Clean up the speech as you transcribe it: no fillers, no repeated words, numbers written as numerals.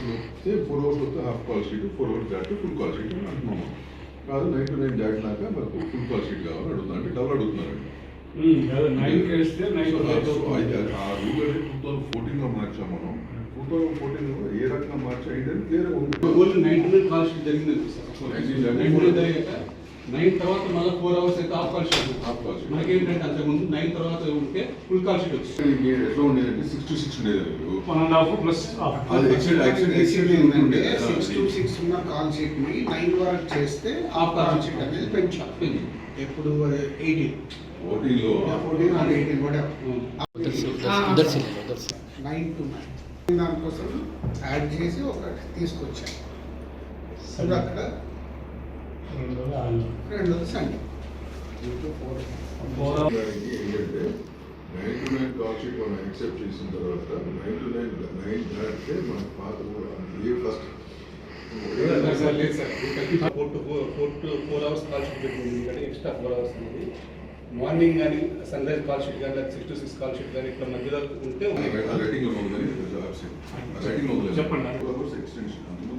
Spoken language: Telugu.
సేమ్ 4 hours వస్తే హాఫ్ కాల్ షీట్, 4 hours దాటితే ఫుల్ కాల్ షీట్ అని అంటున్నాము. కాదు 9 to 9 దాటినాక మనకు ఫుల్ కాల్ షీట్ కావాలని అడుగుతున్నారు, అంటే డబుల్ అడుగుతున్నారండి. ఆ రూల్ అనేది 2014లో మార్చాం మనం. 2014 ఏ రకంగా మార్చా ఏంటంటే క్లియర్గా ఉంది. 99 కాల్ షీట్ జరిగింది సార్. 99 అయ్యాక 9 తర్వాత మళ్ళీ 4 hours అయితే హాఫ్ కాల్ షీట్. మనకేంటంటే అంతకుముందు 9 తర్వాత ఉంటే ఫుల్ కాల్ షీట్ వచ్చింది. ఎట్లా ఉండేదంటే 6 to 6 ఉండేది. 1.5 ప్లస్ అది ఏంటంటే 6 to 6 ఉన్న కాల్ షీట్ ని 9 వరకు చేస్తే హాఫ్ కాల్ షీట్ అనేది పెంచాలి. ఎప్పుడు 18 14లో 14 or 18 whatever. 9 to 9 దానికోసం యాడ్ చేసి ఒకటి తీసుకొచ్చాను. ఇప్పుడు అక్కడ రెండోది సండే ఏంటంటే 9 to 9 కాల్ షీట్ మనం యాక్సెప్ట్ చేసిన తర్వాత 9 to 9 దాటితే మనకు పాత ఏ ఫస్ట్ 4 hours కాల్ షీట్ పెట్టింది. ఎందుకంటే ఎక్స్ట్రా 4 hours అనేది మార్నింగ్ కానీ సన్ రైజ్ కాల్ షీట్ కానీ 6 to 6 కాల్ షీట్ కానీ ఇక్కడ మధ్యలో ఉంటే రైటింగ్ లో ఉందని చెప్పండి. చెప్పండి. ఎక్స్టెన్షన్